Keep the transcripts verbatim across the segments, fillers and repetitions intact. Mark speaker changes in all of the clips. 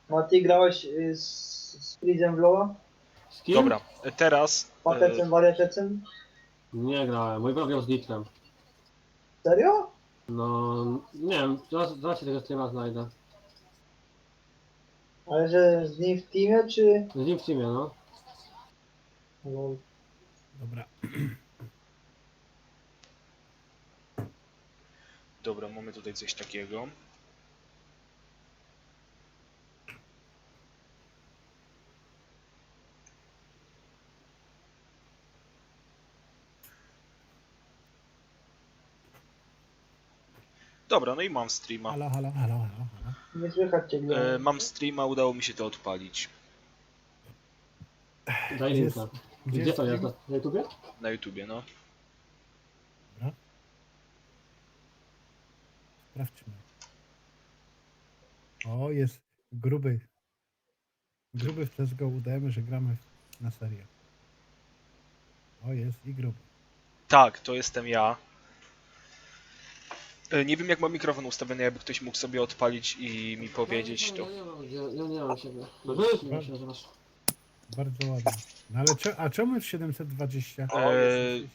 Speaker 1: No a ty grałeś y, z, z Freezem w Loa?
Speaker 2: Z kim?
Speaker 3: Dobra, teraz... e,
Speaker 1: Patecem, wariatecem?
Speaker 2: Nie grałem, mój brat grał z Nitrem.
Speaker 1: Serio?
Speaker 2: No, nie wiem, zaraz, zaraz się tego streama znajdę.
Speaker 1: Ale że z nim w teamie, czy...
Speaker 2: Z nim w teamie, no.
Speaker 1: No,
Speaker 4: Dobra.
Speaker 3: Dobra, mamy tutaj coś takiego. Dobra, no i mam streama.
Speaker 4: Halo, halo, halo, halo, halo.
Speaker 1: nie słychać cię, Glenn.
Speaker 3: E, mam streama, udało mi się to odpalić
Speaker 2: Daj
Speaker 4: Gdzie
Speaker 2: linka.
Speaker 4: jest-
Speaker 2: Gdzie,
Speaker 4: gdzie
Speaker 2: to
Speaker 4: jest
Speaker 2: jest? Na YouTubie?
Speaker 3: na YouTubie, no.
Speaker 4: Dobra. Sprawdźmy. O, jest gruby. Gruby w C S G O udajemy, że gramy na serię. O, jest i gruby.
Speaker 3: Tak, to jestem ja. E, nie wiem jak mam mikrofon ustawiony, jakby ktoś mógł sobie odpalić i mi powiedzieć to.
Speaker 2: Ja nie mam, ja, ja nie mam siebie. No wiesz, nie się nazywasz.
Speaker 4: Bardzo ładnie. No ale cze, a czemu jest siedemset dwadzieścia?
Speaker 3: E,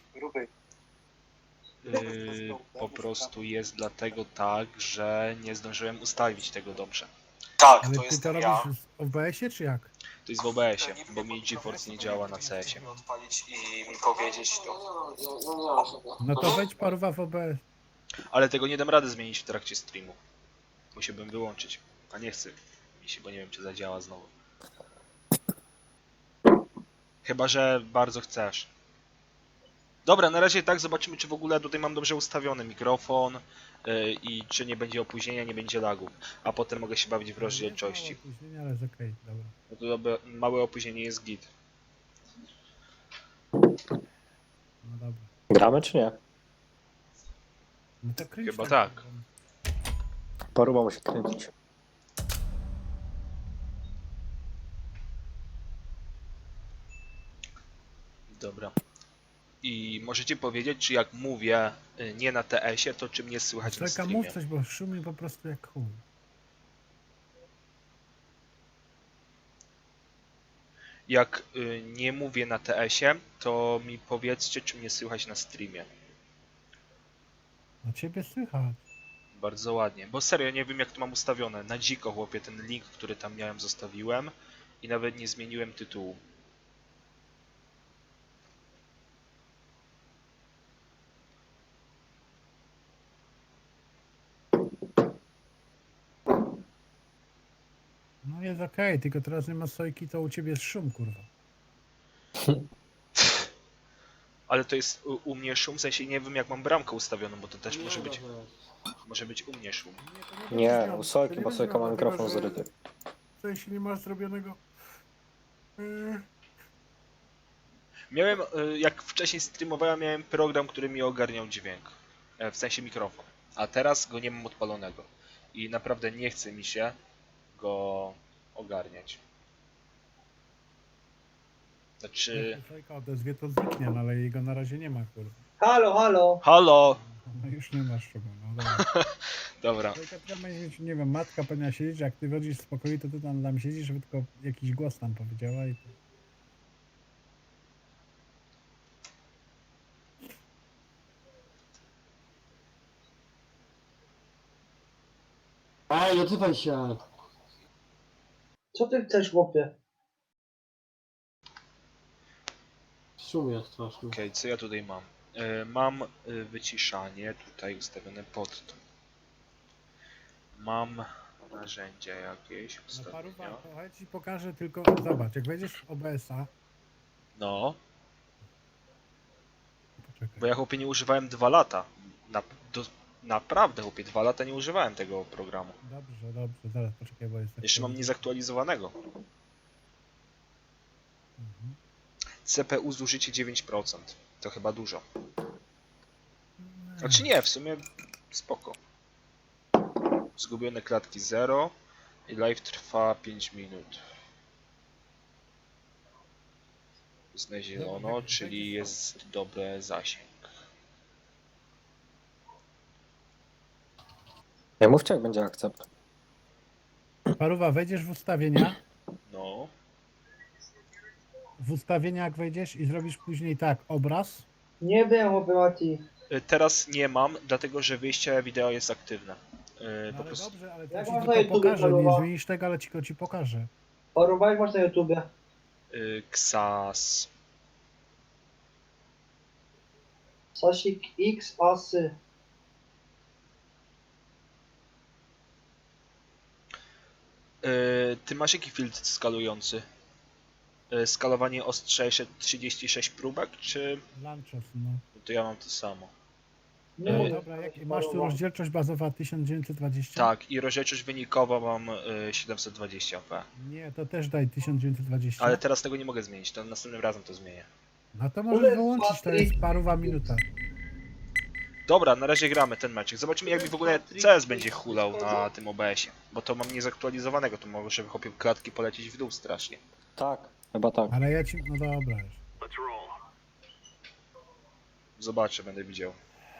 Speaker 3: Yy, po prostu jest dlatego tak, że nie zdążyłem ustawić tego dobrze. Tak,
Speaker 4: Ale
Speaker 3: to
Speaker 4: ty to
Speaker 3: jestem
Speaker 4: robisz
Speaker 3: ja.
Speaker 4: w O B S-ie czy jak?
Speaker 3: To jest w O B S-ie, bo mi GeForce nie działa na C S-ie. Odpalić i mi powiedzieć to.
Speaker 2: Ja nie mam siebie.
Speaker 4: No to wejdź paruwa w O B S.
Speaker 3: Ale tego nie dam rady zmienić w trakcie streamu. Musiałbym wyłączyć. A nie chcę mi się, bo nie wiem czy zadziała znowu. Chyba że bardzo chcesz. Dobra, na razie tak, zobaczymy czy w ogóle tutaj mam dobrze ustawiony mikrofon yy, i czy nie będzie opóźnienia, nie będzie lagów. A potem mogę się bawić w rozdzielczości.
Speaker 4: Mało opóźnienia, ale jest okej, dobra.
Speaker 3: No to dobre, małe opóźnienie jest git.
Speaker 4: No dobra.
Speaker 5: Gramy czy nie?
Speaker 4: No to kręć
Speaker 3: Chyba
Speaker 4: tam,
Speaker 3: tak.
Speaker 4: kurwa.
Speaker 5: Paruwa musi kręcić.
Speaker 3: Dobra. I możecie powiedzieć, czy jak mówię y, nie na T S-ie, to czy mnie słychać na
Speaker 4: Czeka,
Speaker 3: streamie?
Speaker 4: mów coś, bo szumi po prostu jak chuj.
Speaker 3: Jak y, nie mówię na T S-ie, to mi powiedzcie, czy mnie słychać na streamie.
Speaker 4: No ciebie słychać.
Speaker 3: Bardzo ładnie, bo serio nie wiem jak to mam ustawione. Na dziko chłopie ten link, który tam miałem zostawiłem i nawet nie zmieniłem tytułu.
Speaker 4: No jest okej, tylko teraz nie ma sojki, to u ciebie jest szum, kurwa.
Speaker 3: Ale to jest u, u mnie szum, w sensie nie wiem jak mam bramkę ustawioną, bo to też
Speaker 2: Nie
Speaker 3: może
Speaker 2: da
Speaker 3: być,
Speaker 2: się.
Speaker 3: może być u mnie szum.
Speaker 5: Nie, u Sojki, bo Sojka ma mikrofon zryty.
Speaker 4: Co jeśli nie masz zrobionego... Yy,
Speaker 3: Miałem, y, jak wcześniej streamowałem, miałem program, który mi ogarniał dźwięk, e, w sensie mikrofon, a teraz go nie mam odpalonego i naprawdę nie chce mi się go ogarniać. Znaczy,
Speaker 4: Jak się Sojka odezwie, to zniknie, no ale jego na razie nie ma, kurwa.
Speaker 1: Halo, halo!
Speaker 3: halo,
Speaker 4: No już nie masz szumu, no dobra.
Speaker 3: dobra,
Speaker 4: Sojka tylko będzie mieć, nie wiem, matka powinna siedzieć, jak ty chodzisz z pokoju, to ty tam, tam siedzisz, żeby tylko jakiś głos tam powiedziała i...
Speaker 2: Ej, odzywaj się.
Speaker 1: Co ty chcesz, chłopie?
Speaker 2: Szum jest straszny.
Speaker 3: okej, co ja tutaj mam? E, mam y, wyciszanie tutaj ustawione pod to. Mam narzędzia jakieś
Speaker 4: No paruwa,
Speaker 3: ustawienia.
Speaker 4: to chodź ci pokażę tylko, zobacz, jak wejdziesz w O B S-a,
Speaker 3: No,
Speaker 4: poczekaj.
Speaker 3: bo ja chłopie nie używałem dwa lata. Na, do, naprawdę chłopie, dwa lata nie używałem tego programu.
Speaker 4: Dobrze, dobrze, zaraz poczekaj, bo jest...
Speaker 3: Jeszcze mam niezaktualizowanego.
Speaker 4: Mhm.
Speaker 3: C P U zużycie dziewięć procent. To chyba dużo. Znaczy nie, w sumie spoko. Zgubione klatki zero i live trwa pięć minut. Jest na zielono, czyli jest dobry zasięg.
Speaker 5: Nie mówcie jak będzie akcept.
Speaker 4: Paruwa, wejdziesz w ustawienia,
Speaker 3: No.
Speaker 4: w ustawienia jak wejdziesz i zrobisz później tak, obraz,
Speaker 1: Nie wiem, chłopie Mati.
Speaker 3: Y, Teraz nie mam, dlatego że wyjście wideo jest aktywne. Y,
Speaker 4: no
Speaker 3: Po
Speaker 4: ale
Speaker 3: prostu
Speaker 4: dobrze, ale to
Speaker 1: Jak
Speaker 4: ci
Speaker 1: można
Speaker 4: tylko
Speaker 1: YouTube
Speaker 4: pokażę, nie
Speaker 1: Paruwa?
Speaker 4: zmienisz tego, ale ci go ci pokażę.
Speaker 1: Paruwa, jak masz na YouTubie?
Speaker 3: y, Ksas.
Speaker 1: Sasik X Asy.
Speaker 3: Y, Ty masz jaki filtr skalujący? Y, Skalowanie ostrzejsze trzydzieści sześć próbek, czy...
Speaker 4: Lanczos, no.
Speaker 3: To ja mam to samo.
Speaker 1: Nie
Speaker 3: E,
Speaker 1: mogę.
Speaker 4: Dobra, jak, masz tu
Speaker 1: Paruwa.
Speaker 4: rozdzielczość bazowa tysiąc dziewięćset dwadzieścia?
Speaker 3: Tak, i rozdzielczość wynikowa mam y, siedemset dwadzieścia p.
Speaker 4: Nie, to też daj tysiąc dziewięćset dwadzieścia.
Speaker 3: Ale teraz tego nie mogę zmienić, to następnym razem to zmienię.
Speaker 4: No to
Speaker 1: Ule,
Speaker 4: możesz wyłączyć, to
Speaker 1: Patryk.
Speaker 4: jest paruwa minuta.
Speaker 3: Dobra, na razie gramy ten meczek. Zobaczymy jak mi w ogóle C S będzie hulał na tym O B S-ie. Bo to mam niezaktualizowanego, to może chłopie klatki polecieć w dół strasznie.
Speaker 5: Tak, chyba tak.
Speaker 4: Ale ja ci, no dobra już.
Speaker 3: Zobaczę, będę widział.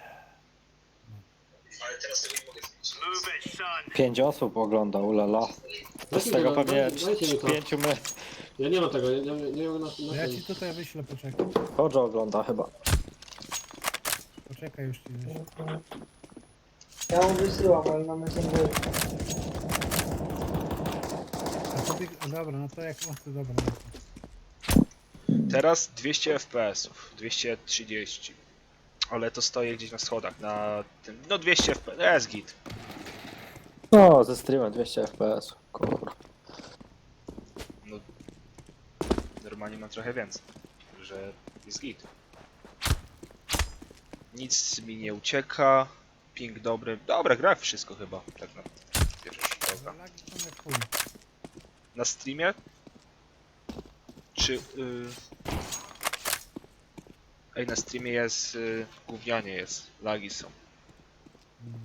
Speaker 3: Ale teraz tego nie mogę zmienić.
Speaker 5: Pięć osób ogląda, ulala. Z
Speaker 2: Dajcie
Speaker 5: tego
Speaker 2: mi to,
Speaker 5: pewnie
Speaker 2: daj- dajcie mi to.
Speaker 5: pięciu my.
Speaker 2: Ja nie mam tego, nie, nie, nie mam na,
Speaker 4: To
Speaker 2: na
Speaker 4: ja
Speaker 2: ten.
Speaker 4: ci tutaj wyślę, poczekaj.
Speaker 5: Chodź ogląda chyba.
Speaker 4: Poczekaj, już ci wyślę.
Speaker 1: Ja mu wysyłam, ale na Messengerze.
Speaker 4: A sobie, a dobra, no to jak masz, to dobra. No to.
Speaker 3: Teraz dwieście F P S-ów, dwieście trzydzieści. Ale to stoję gdzieś na schodach, na tym... No dwieście F P S, jest git.
Speaker 5: No, ze streamem dwieście F P S. Kurwa.
Speaker 3: No, normalnie mam trochę więcej, że jest git. Nic mi nie ucieka, ping dobry. Dobra, gra wszystko chyba, tak na pierwszy rzut oka.
Speaker 4: Ale lagi są jak chuj.
Speaker 3: Na streamie? Czy... Yy... Ej, na streamie jest... Yy, gównianie jest, lagi są.
Speaker 4: Mm.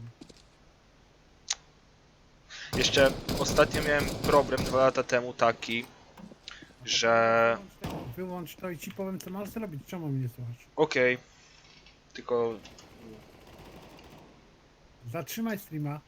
Speaker 3: Jeszcze ostatnio miałem problem dwa lata temu taki, że...
Speaker 4: Wyłącz to, wyłącz to i ci powiem, co masz zrobić. Czemu mnie nie słuchasz?
Speaker 3: Okej, tylko...
Speaker 4: Zatrzymaj streama.